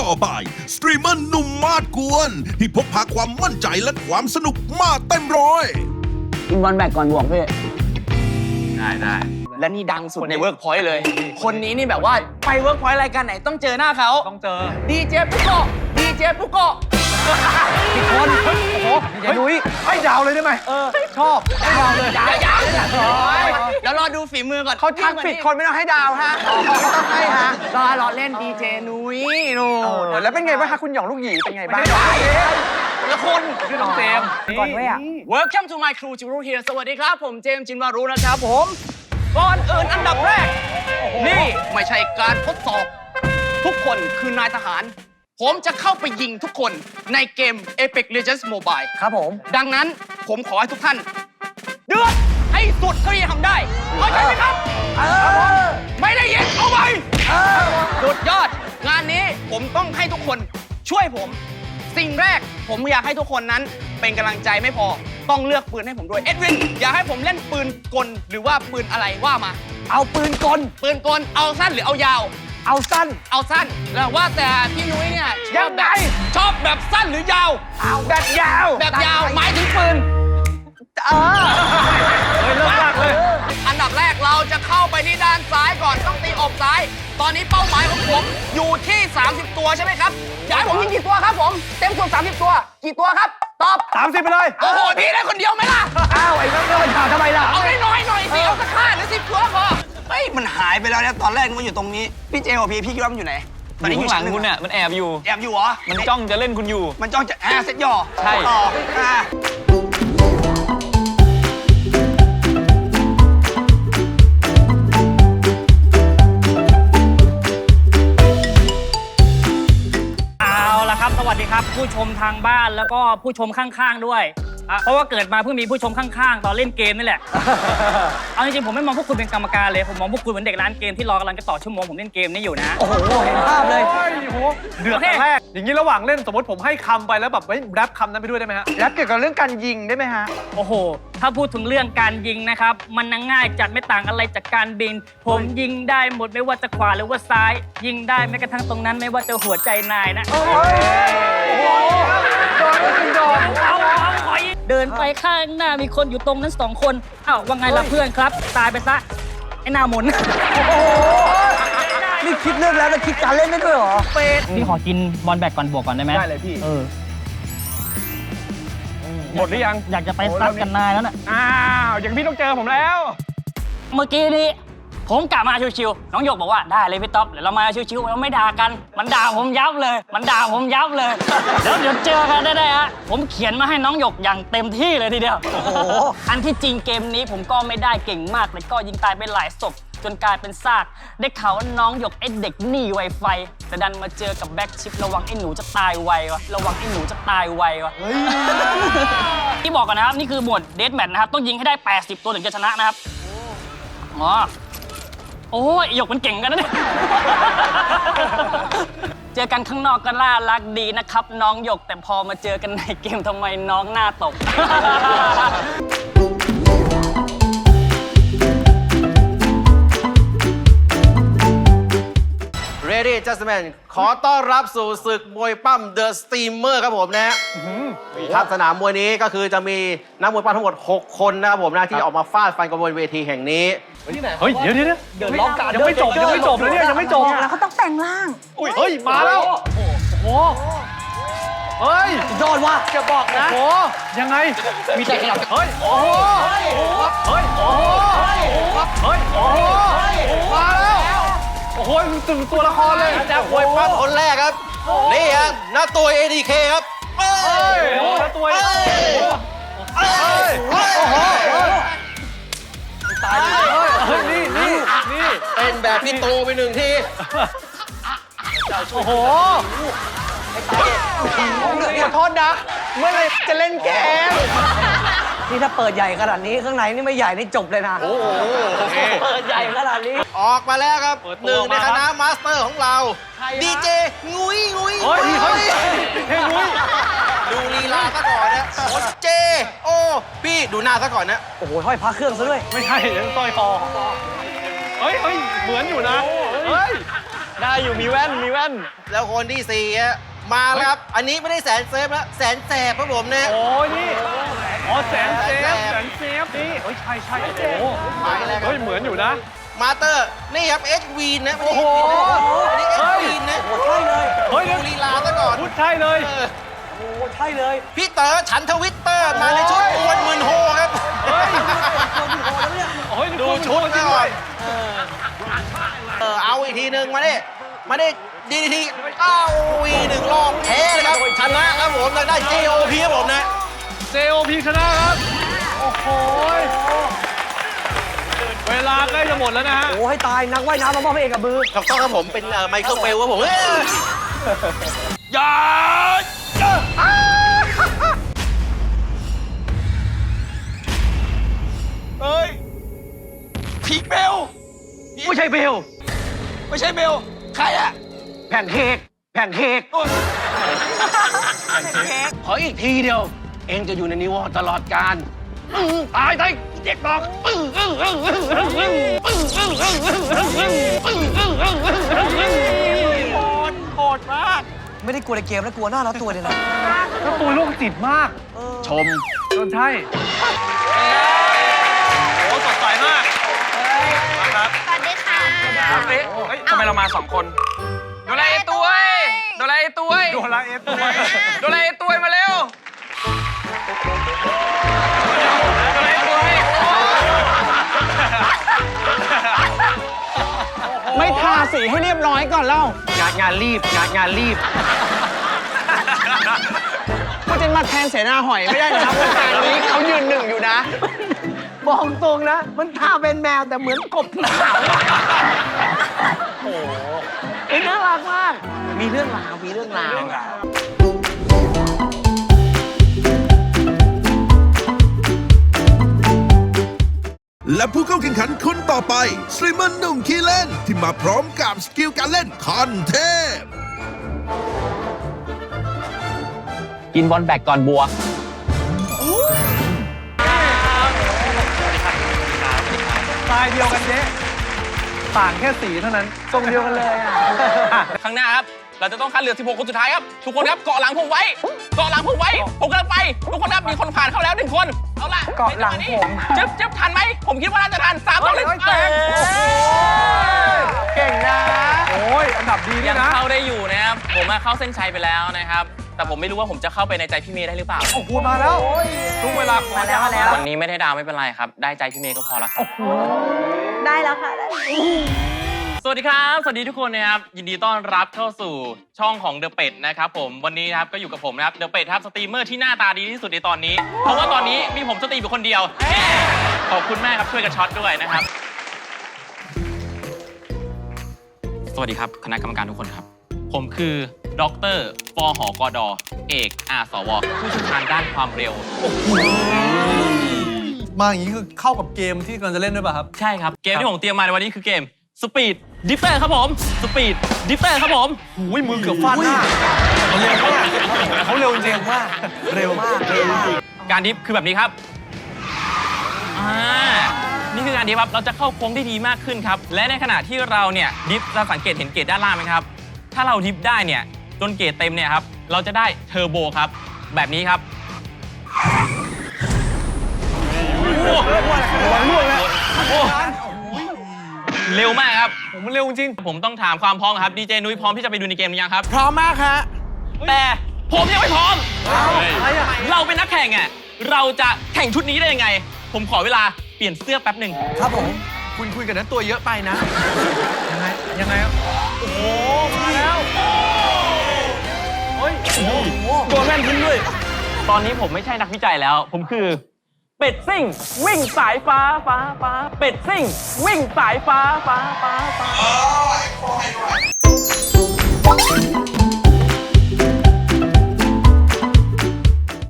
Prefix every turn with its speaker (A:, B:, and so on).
A: ต่อไปสตรีมเมอร์หนุ่มมาดกวนที่พกพาความมั่นใจและความสนุกมาเต็มร้อย
B: กินบอลแบกก่อนบวกพี่
C: ได้
D: และนี่ดังสุดในเวิร์กพอยต์เลย คนนี้นี่แบบว่าไปเวิร์กพอยต์รายการไหนต้องเจอหน้าเขา
C: ต้องเจอ
D: ดีเจปุโกะดีเจปุโกะ
C: อีกคนโอ้โหอย่านุ้ยให้ดาวเลยได้ไหมชอบให้ดาวเลย
D: อย่าเดี๋ยวรอดูฝีมือก่อน
B: เขาทักผิดคนไม่ต้องให้ดาวฮะไม่ต้องให้ฮะ
D: รอเล่นดีเจนุ้ยนู
B: แล้วเป็นไงบ้างคะคุณหยองลูกหยีเป็นไงบ้าง
D: ละคน
C: ชื่อน้องเจมส์
B: ก่อนด้วยอ่ะ
D: Welcome to my crew จิรุเฮียสวัสดีครับผมเจมส์จินวารุนะครับผมก่อนอื่นอันดับแรก นี่ไม่ใช่การทดสอบ ทุกคนคือนายทหาร ผมจะเข้าไปยิงทุกคนในเกม Apex Legends Mobile
B: ครับผม
D: ดังนั้นผมขอให้ทุกท่าน เดือดให้สุดเท่าที่จะทำได้เข้าใจไหมครับไม่ได้ยินเอาไปสุดยอด งานนี้ผมต้องให้ทุกคนช่วยผม สิ่งแรกผมอยากให้ทุกคนนั้นเป็นกำลังใจไม่พอต้องเลือกปืนให้ผมด้วยเอ็ดวินอยากให้ผมเล่นปืนกลหรือว่าปืนอะไรว่ามา
B: เอาปืนกล
D: ปืนกลเอาสั้นหรือเอายาว
B: เอาสั้น
D: เอาสั้นแล้วว่าแต่พี่นุ้ยเนี่ยชอบ
B: ยังไง
D: ชอบแบบสั้นหรือยาว
B: เอาแบบยาว
D: แบบยาวหมายถึงปืน
B: เออ
C: เฮ้ยเลิกลากเลย
D: อันดับแรกเราจะเข้าไปที่ด้านซ้ายก่อนต้องตีอกซ้าย ตอนนี้เป้าหมายของผมอยู่ที่ 30 ตัวใช่ไหมครับอยากให้ผมยิงกี่ตัวครับผม เต็มส่วน30 ตัว กี่ตัวครับ ตอบ
C: 30ไปเลย
D: โอ้โห พี่ได้คนเดียวไหมล่ะ
B: อ้าวไอ้น้องเดินถามทำไมล่ะ
D: เอาน้อยๆหน่อยสิ เอาสัก5 หรือ 10 ตัวพอ
E: เฮ้ยมันหายไปแล้วเนี่ยตอนแรกมันอยู่ตรงนี้ พี่เจกับพี่คิดว่ามันอยู่ไหนตอนนี้อยู่
F: หลั
E: ชั้
F: ง
E: นหนึ่ง
F: คุณเนี่ยมันแอบอยู่
E: แอบอยู่เหรอ
F: มันจ้องจะเล่นคุณอยู่
E: มันจ้องจะเซ็ตย่อ
F: ใช่
E: ต่อ
G: เอาละครับ สวัสดีครับ ผู้ชมทางบ้านแล้วก็ผู้ชมข้างๆด้วยเพราะว่าเกิดมาเพิ่งมีผู้ชมข้างๆ ตอนเล่นเกมนี่แหละ เอาจริงๆผมไม่มองพวกคุณเป็นกรรมการเลย ผมมองพวกคุณเหมือนเด็กร้านเกมที่รอกำลังจะต่อชั่วโมงผมเล่นเกมนี้อยู่นะ
B: โอ้โหเห็นภาพเลย
C: โอ้โหเดือดแต่แรกอย่างนี้ระหว่างเล่นสมมติผมให้คำไปแล้วแบบแรปคำนั้นไปด้วยได้ไหมฮะ
B: แล้วเกี่ยวกับเรื่องการยิงได้ไหมฮะ
G: โอ้โห ถ้าพูดถึงเรื่องการยิงนะครับ มันง่ายจัดไม่ต่างอะไรจากการบิน ผมยิงได้หมดไม่ว่าจะขวาหรือว่าซ้าย ยิงได้แม้กระทั่งตรงนั้นไม่ว่าจะหัวใจนายนะ เดินไปข้างหน้ามีคนอยู่ตรงนั้น2 คนอ้าวว่าไงล่ะเพื่อนครับ ตายไปซะ ไอ้หน้าหมุน
B: นี่คิดเรื่องแล้วแต่คิดการเล่นได้ด้วยเหรอ
G: พี่ขอกินบอลแบกก่อนบวกก่อนได้ไหม
C: ได้เลยพี่ หมดหรือยัง
G: อยากจะไปซัดกันนายแล้วน่ะ
C: อ้าวอย่างพี่ต้องเจอผมแล้ว
G: เมื่อกี้นี้ผมกลับมาชิวๆน้องหยกบอกว่าได้เลยพี่ต๊อบเดี๋ยวเรามาชิวๆเราไม่ด่ากัน มันด่าผมยับเลย มันด่าผมยับเลย แล้วเดี๋ยวเจอกันได้ฮะผมเขียนมาให้น้องหยกอย่างเต็มที่เลยทีเดียวอันที่จริงเกมนี้ผมก็ไม่ได้เก่งมากแต่ก็ยิงตายไปหลายศพจนกลายเป็นซากได้ข่าวว่าน้องหยกไอ้เด็กหนีไวไฟแต่ดันมาเจอกับแบ็คชิประวังไอ้หนูจะตายไววะระวังไอ้หนูจะตายไววะที่บอกกันนะครับนี่คือหมวดเดธแมทนะครับต้องยิงให้ได้80 ตัวถึงจะชนะนะครับอ๋อโอ้ยหยกมันเก่งกันนะเนี่ย เจอกันข้างนอกก็น่ารักดีนะครับ น้องหยกแต่พอมาเจอกันในเกมทำไมน้องหน้าตก
E: Ready Gentlemen ขอต้อนรับสู่ศึกมวยปั้ม The Steamer ครับผมนะครับสนามมวยนี้ก็คือจะมีนักมวยปั้มทั้งหมด 6 คนนะครับผมนะที่ออกมาฟาดฟันกันบนเวทีแห่งนี้
C: เฮ้ยเดี๋ยวยังไม่จบเลยเนี่ยยังไม่จบ
H: แล้วเขาต้องแปลงร่าง
C: เฮ้ยมาแล้วโอ้โหเฮ้ย
B: ยอดว่ะจะบอกนะ
C: โอ้โหยังไงมีแต่ขยับเฮ้ยโอ้โหเฮ้ยโอ้โหเฮ้ยโอ้โหมาแล้วโอ้โหถึงตัวละครเลย
E: นักมวยปั้มคนแรกครับ นี่ฮะหน้าตัว ADK ครับเอ้
C: เฮ้
E: ย
C: ยโอ้โหแล้วตัว
E: เอ้ยเอ้ย
C: โอ้โหตายเลยเฮ้ยนี่
E: เป็นแบบพี่ตูไป1 ที
C: โอ้โห
B: ขอโทษนะ เมื่อไรจะเล่นเกม นี่ถ้าเปิดใหญ่ขนาดนี้ข้างในนี่ไม่ใหญ่นี่จบเลยนะ
E: โอ้โหโอเค
B: เปิดใหญ่ขนาดนี้
E: ออกมาแล้วครับหนึ่งในคณะมาสเตอร์ของเราดีเจงุยงุย
C: เฮ้ยเฮ้ยเฮ้ยนุ้ย
E: ดูลีลาซะก่อนนะโอ้เจโอ้พี่ดูหน้าซะก่อนนะ
B: โอ้โหห้อยพระเครื่องซะด้วย
C: ไม่ใช่เดี๋ยวสร้อยคอเฮ้ยเหมือนอยู่นะเฮ้ยได้อยู่มีแว่นมีแว่น
E: แล้วคนที่4ฮะมาแล้วครับ อันนี้ไม่ได้แสนเซฟแล้วแสนแสบครับผมนะ
C: โอ้ยนี่อ๋อแสนเซฟแสนเซฟนี่เฮ้ยใช่ใช่โอ้โห
E: ไปแล้วครับ
C: เฮ้ยเหมือนอยู่นะ
E: มาเตอร์นี่ครับเอชวีนนะ
C: โอ้โห
E: อันนี้เอชวีนนะ
B: โอ้ใช่เลย
C: เฮ้ย
E: ดูลีลาซะก่อน
C: พูดใช่เลย
E: เออ
B: โอ้ใช่เลย
E: พี่เต๋อฉันทวิตเตอร์มาในชุดอวนหมื่นโฮครับ
C: เฮ้ยโอ้ยดูชุดจริงด้วย
E: เอาอีกทีหนึ่งมาดิดีทีเอาอีกหนึ่งรอบแพ้เลยครับชนะครับผมได้ JOP ครับผมนะ
C: JOP ชนะครับ โอ้โหเวลาใกล้จะหมดแล้วนะฮะ
B: โอ้ให้ตายนักว่ายน้ำมามอบให้เอกกับมือ
E: ถูกต้องครับผมเป็นไมเคิลเฟลครับผม
A: อย่า
D: เฮ้ยพีคเบล
B: ไม่ใช่เบล
D: ไม่ใช่เบล ใครอะ
B: แผ่นเค้กแผ่นเค้ก
E: ขออีกทีเดียว เองจะอยู่ในนิวตลอดกาลตายเด็กบอก
B: โหดมาก ไม่ได้กลัวในเกมแล้วกลัวหน้าแล้วตัวเลยนะ
C: แล้วตัวโรคจิตมาก
E: ชม
C: จนใช่
D: โอ้สดใสมาก มาครับ
F: สวัสดีค่ะ
D: เฮ้ยทำไมเรามา2 คนโดราเอตัวโดราเอตัว
C: โดราเอตัว
D: โดราเอตัวมาเร็วโดราเอตัว
B: ไม่ทาสีให้เรียบร้อยก่อนเล่าง
E: านรีบ
B: ก็จะมาแทนเสนาหอยไม่ได้นะวงการนี้เขายืนหนึ่งอยู่นะ บอกตรงนะ มันทาเป็นแมวแต่เหมือนกบหนาวโอ้โหน่ารักมาก มีเรื่องราว
A: และผู้เข้าแข่งขันคนต่อไปสตรีมเมอร์หนุ่มขี้เล่นที่มาพร้อมกับสกิลการเล่นขั้นเทพ
G: กินบอลแบกก่อนบัว
C: ตายเดียวกันเจ๊ต่างแค่สีเท่านั้น
B: ทรงเดียวกันเลยอ่ะ
D: ข้างหน้าครับ เราจะต้องคัดเหลือ16 คนสุดท้ายครับ ทุกคนครับเกาะหลังผมไว้ เกาะหลังผมไว้ ผมกำลังไป ทุกคนครับมีคนผ่านเข้าแล้ว1 คน เอาล่ะ
B: เกาะหลังผม
D: จึ๊บทันไหม ผมคิดว่าน่าจะทัน3 2 1
B: เก่งนะ
C: โอ้ยอันดับดีด้ว
D: ยั
C: ย
D: ง
C: นะ
D: เข้าได้อยู่นะครับ ผมเข้าเส้นชัยไปแล้วนะครับ แต่ผมไม่รู้ว่าผมจะเข้าไปในใจพี่เมย์ได้หรือเปล่า
C: โอ้โหมาแล้วทุกเวลาขอ
B: มาแล้ว
D: วันนี้ไม่ได้ดาวไม่เป็นไรครับ ได้ใจพี่เมย์ก็พอแล้วครับ
F: ได้แล้วค่ะ
D: สวัสดีครับ สวัสดีทุกคนนะครับ ยินดีต้อนรับเข้าสู่ช่องของเดอะเป็ดนะครับผม วันนี้นะครับก็อยู่กับผมนะครับ เดอะเป็ดครับสตรีมเมอร์ที่หน้าตาดีที่สุดในตอนนี้ เพราะว่าตอนนี้มีผมสตรีมอยู่คนเดียว ขอบคุณมากครับช่วยกันช็อตด้วยนะครับ สวัสดีครับคณะกรรมการทุกคนครับ ผมคือดรปหกดเอกอาสวผู้เชี่ยวชาญด้านความเร็ว
C: มาอย่างนี้คือเข้ากับเกมที่กำลังจะเล่นด้วยป่ะครับ
D: ใช่ครับ เกมที่ผมเตรียมมาในวันนี้คือเกม Speed Drifter ครับผม Speed Drifter ครับผม
C: อุ้ยมือเกือบฟาดหน้าเขาเร็วจริงๆว่าเร็วมาก
D: การดริฟต์คือแบบนี้ครับ นี่คือการดริฟต์ครับ เราจะเข้าโค้งได้ดีมากขึ้นครับ และในขณะที่เราเนี่ยดริฟต์จะสังเกตเห็นเกรดด้านล่างไหมครับ ถ้าเราดริฟต์ได้เนี่ยจนเกรดเต็มเนี่ยครับ เราจะได้เทอร์โบครับ แบบนี้ครับ เร็วมากครับ
C: ผมมันเร็วจริง
D: ผมต้องถามความพร้อมครับ ดีเจนุ้ยพร้อมที่จะไปดูในเกมหรือยังครับ
B: พร้อมมากฮะ
D: แต่ผมยังไม่พร้อม
C: อะไรอ่ะ
D: เราเป็นนักแข่งอ่ะ เราจะแข่งชุดนี้ได้ยังไง ผมขอเวลาเปลี่ยนเสื้อแป๊บหนึ่ง
B: ครับผม
C: คุณคุยกันนั้นตัวเยอะไปนะ ยังไงครับโอ้โหมาแล้วเฮ้ยโอ้โห
B: โดนแม่นทิ้งด้วย
D: ตอนนี้ผมไม่ใช่นักวิจัยแล้ว ผมคือ เป็ดซิ่ง วิ่งสายฟ้าฟ้าฟ้าเป็ดซิ่ง วิ่งสายฟ้าฟ้าฟ้าฟ้า